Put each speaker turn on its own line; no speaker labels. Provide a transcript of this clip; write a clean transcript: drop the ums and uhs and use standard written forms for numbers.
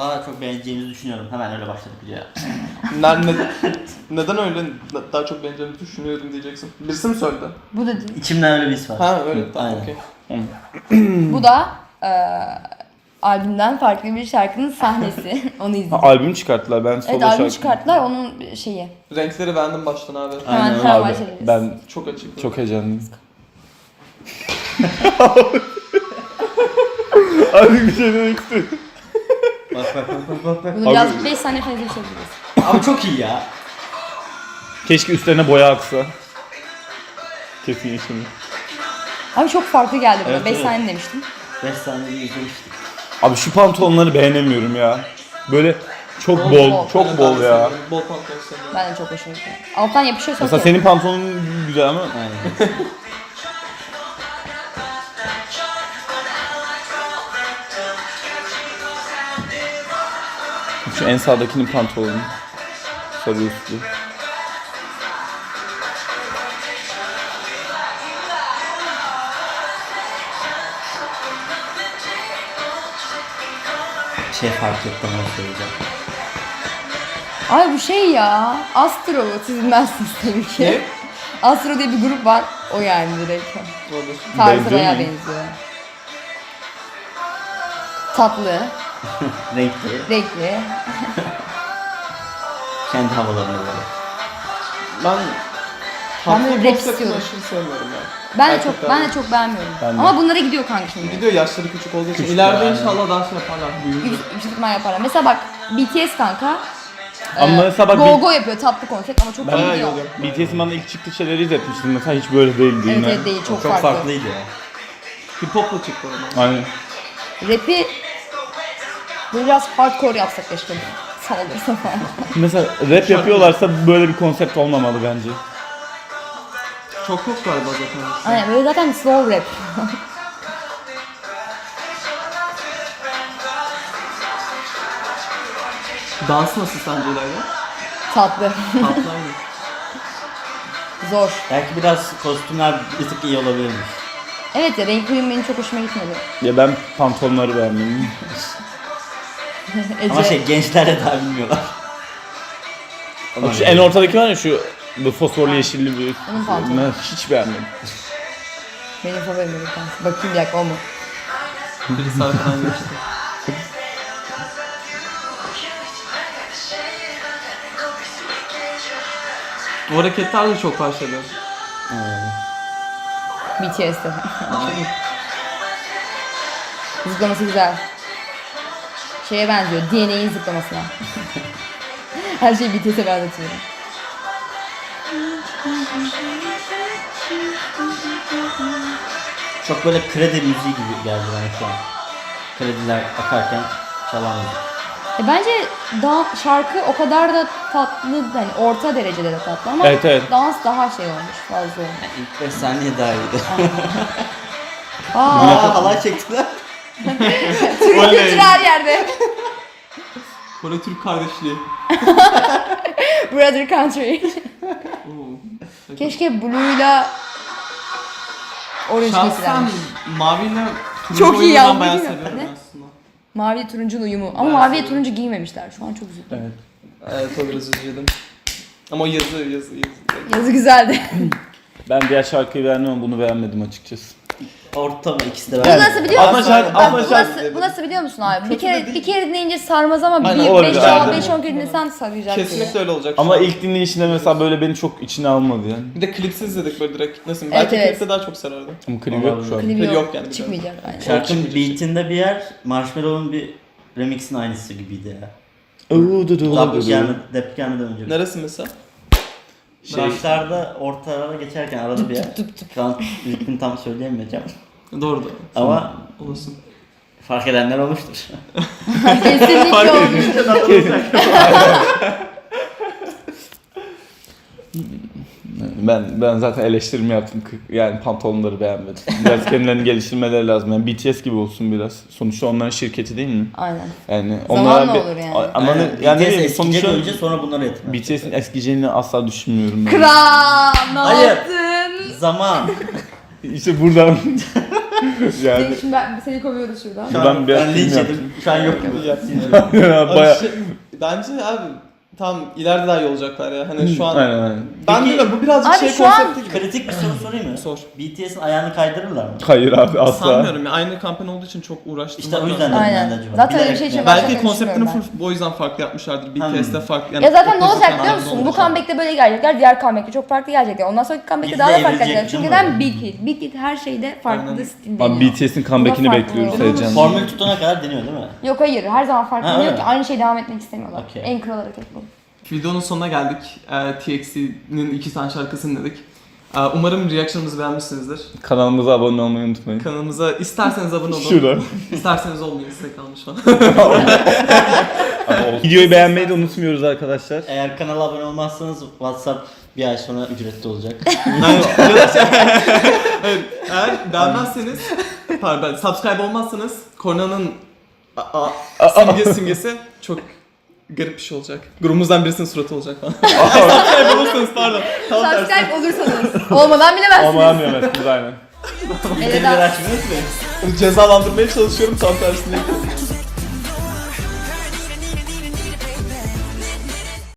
Daha çok beğeneceğimizi düşünüyorum. Hemen öyle başladık videoya.
Neden öyle daha çok beğeneceğimi düşünüyorum diyeceksin. Birisi mi söyledi?
Bu da değil.
İçimden öyle bir his var.
Ha öyle tamam
Aynen.
okey.
Bu da albümden farklı bir şarkının sahnesi. Onu izledim.
Albüm çıkarttılar ben solo
Evet albüm
şarkı.
çıkarttılar onun şeyi.
Renkleri beğendim baştan abi.
Aynen
Hemen
Abi
başlayalım.
ben
Çok açık.
çok heyecanlıyım. Abi bir şey demek istiyorum.
Bak.
Bunu biraz 5 saniye fazla geçebiliriz.
Abi çok iyi ya.
Keşke üstlerine boya aksa. Kesin yaşamıyor.
Abi çok farklı geldi bana.
Evet,
5
evet.
saniye demiştim.
5 saniyede izlemiştik.
Abi şu pantolonları beğenemiyorum ya. Böyle çok
Bol,
bol,
bol.
çok bol ya.
Bol pantolon seviyorum.
Ben de çok hoşuma gitti. Alttan yapışıyorsa
Mesela
okey.
senin pantolonun güzel ama
Aynen.
şu en sağdakinin pantolonu. Sarı üstlü.
Şey fark ettim onu söyleyeceğim.
Ay bu şey ya. Astro siz bilmezsiniz tabii ki.
Ne?
Astro diye bir grup var. O yani direkt.
Olabilir.
Tarzı
Benziyor
bayağı
mu?
benziyor. Tatlı,
Renkli.
renkli.
Kendi havalarına böyle.
Ben
Ben de
tatlı
rap
konseptini
istiyorum.
aşırı sevmiyorum ya.
Ben de
Erkekler
çok ben de çok beğenmiyorum.
Ben de.
Ama bunlara gidiyor kanka şimdi.
Gidiyor yaşları küçük olduğu için.
Küçük
İleride
yani.
inşallah daha şey yaparlar. Büyüyünce.
Yüksek ihtimal yaparlar. Mesela bak BTS kanka.
Ama mesela bak
Go Go yapıyor tatlı konsept ama çok
Ben-
iyi
Bayağı iyi
gidiyor.
oluyor.
BTS'in bana ilk çıktığı şeyleri izletmiştim. Mesela hiç böyle değildi
Evet
yine.
evet değil çok,
Çok
farklı.
farklıydı ya.
Hip hop'la çıktı oradan.
Aynen.
Rap'i böyle biraz hardcore yapsak keşke. Saldırsa falan.
Mesela rap yapıyorlarsa böyle bir konsept olmamalı bence.
Çok yok galiba zaten.
Aynen böyle zaten slow rap.
Dans nasıl sence İlayda?
Tatlı.
Tatlı aynı.
Zor.
Belki biraz kostümler bir tık iyi olabilirmiş.
Evet ya renk uyum benim çok hoşuma gitmedi.
Ya ben pantolonları beğenmedim.
Ece.
Ama şey gençler de daha bilmiyorlar.
Bak şu en ortadaki var ya şu bu fosforlu yeşilli bir.
Onun pantolonu.
Ben hiç beğenmedim.
Benim favorim bir tanesi. Bakayım bir dakika o mu?
Birisi arkadan geçti. Bu hareketler de çok başladı.
BTS'de. Zıplaması güzel. Şeye benziyor. DNA'nin zıplamasına. Her şeyi BTS'e benzetiyorum.
Çok böyle kredi müziği gibi geldi bana şu an. Krediler akarken çalan müzik.
Bence şarkı o kadar da tatlı, hani orta derecede de tatlı ama
Evet, evet.
dans daha şey olmuş, fazla olmuş.
İlk 5 saniye daha iyiydi.
Aa,
Halay çektiler.
Türk kültürü her yerde.
Kore Türk kardeşliği.
Brother Country.
Oo.
Keşke Blue'yla Orange
Şahsen
giysilermiş.
maviyle turuncu
Çok iyi
oyunu
ya,
ben bayağı
değil mi?
seviyorum
Ne?
aslında.
Mavi turuncunun uyumu. Ama
Ben
maviye
seviyorum.
turuncu giymemişler. Şu an çok üzüldüm.
Evet.
Evet o biraz üzüldüm. Ama o yazı.
Yazı güzeldi.
Ben diğer şarkıyı beğendim ama bunu beğenmedim açıkçası.
Orta mı ikisi de
Bu
ben.
nasıl biliyor
Ama
musun?
şarkı-
Bak,
ama
bu,
şarkı-
nasıl, bu nasıl biliyor musun abi? Bir kere dinleyince sarmaz ama
Aynen,
bir
olabilir,
5
aynen.
5-10 kere dinlesen saracak.
Kesinlikle öyle olacak.
Ama
şu an.
ilk dinleyişinde mesela böyle beni çok içine almadı yani.
Bir de klipsiz izledik böyle direkt. Nasıl?
Evet,
Belki
evet.
klipte daha çok sarardı.
Ama klibi yok şu an.
Klibi
Yok
yok.
yani,
Çıkmayacak. Aynen.
Şarkının beatinde bir yer Marshmallow'un bir remixin aynısı gibiydi ya. Dep gelmeden önce.
Neresi mesela?
Başlarda ortalara geçerken arada bir yer. Şu an ritmini tam söyleyemeyeceğim.
Doğru da.
Ama
Olasın.
fark edenler olmuştur.
Kesinlikle olmuş.
Ben zaten eleştirimi yaptım. Yani pantolonları beğenmedim. Biraz kendilerini geliştirmeleri lazım. Yani BTS gibi olsun biraz. Sonuçta onların şirketi değil mi?
Aynen.
Yani
Zamanla olur yani.
Ama
Aynen.
yani
BTS
ne bileyim,
eskiyecek
sonuçta
önce sonra bunları etme.
BTS'in eskiyeceğini asla düşünmüyorum ben.
Kral ne
Hayır.
yaptın?
Zaman.
İşte buradan Yani
Şimdi seni kovuyoruz şuradan.
Şu an
Buradan bir
ben linç
film
yedim. Şu an yok gibi.
baya...
Bence abi tam ileride daha iyi olacaklar ya. Hani şu an
Aynen.
ben
Peki-
bilmiyorum bu birazcık
Abi
şey
şu an-
konsepti gibi.
Kritik bir soru sorayım mı?
Sor.
BTS'in ayağını kaydırırlar mı?
Hayır abi asla.
Sanmıyorum ya. Aynı kampanya olduğu için çok uğraştım.
İşte o yüzden dedim
Aynen.
ben de acaba.
Zaten öyle bir
Bilerek
şey için
mi?
ben-
Belki
Başka
konseptini
düşünmüyorum
full o yüzden farklı yapmışlardır.
Hmm.
BTS'de farklı.
Ya zaten ne
opposite
olacak biliyor
yanlarda
musun? Bu
olacak.
comeback'te böyle gelecekler, diğer comeback'te çok farklı gelecekler. Ondan sonraki comeback'te
Biz
daha
de
da farklı
evrilecek
gelecekler. Çünkü
değil mi?
neden Big Hit? Big Hit her şeyde farklı
Aynen.
stil deniyor.
Abi BTS'in comeback'ini
Bu da farklı
bekliyoruz
oluyor.
heyecanla.
Formül tutana kadar deniyor değil mi?
Yok hayır, her zaman farklı
Ha,
diyor
öyle
ki
mi?
aynı şey devam etmek istemiyorlar.
Okey.
En kral hareket bu.
Videonun sonuna geldik. TXT'nin 2 tane şarkısını dinledik. Umarım reaction'ımızı beğenmişsinizdir.
Kanalımıza abone olmayı unutmayın.
Kanalımıza isterseniz abone olun.
Şurada.
İsterseniz olmayın, size kalmış falan.
Videoyu beğenmeyi de unutmuyoruz arkadaşlar.
Eğer kanala abone olmazsanız WhatsApp bir ay sonra ücretli olacak.
Evet, eğer beğenmezseniz, pardon, subscribe olmazsanız Korna'nın simgesi çok garip bir şey olacak. Grubumuzdan birisinin suratı olacak falan. Subscribe olursanız pardon. Tam tersi.
Subscribe olursanız. Olmadan bilemezsiniz.
Ama anlayamazsınız aynen.
Bildirimleri açmayı unutmayın.
Cezalandırmaya çalışıyorum tam tersini.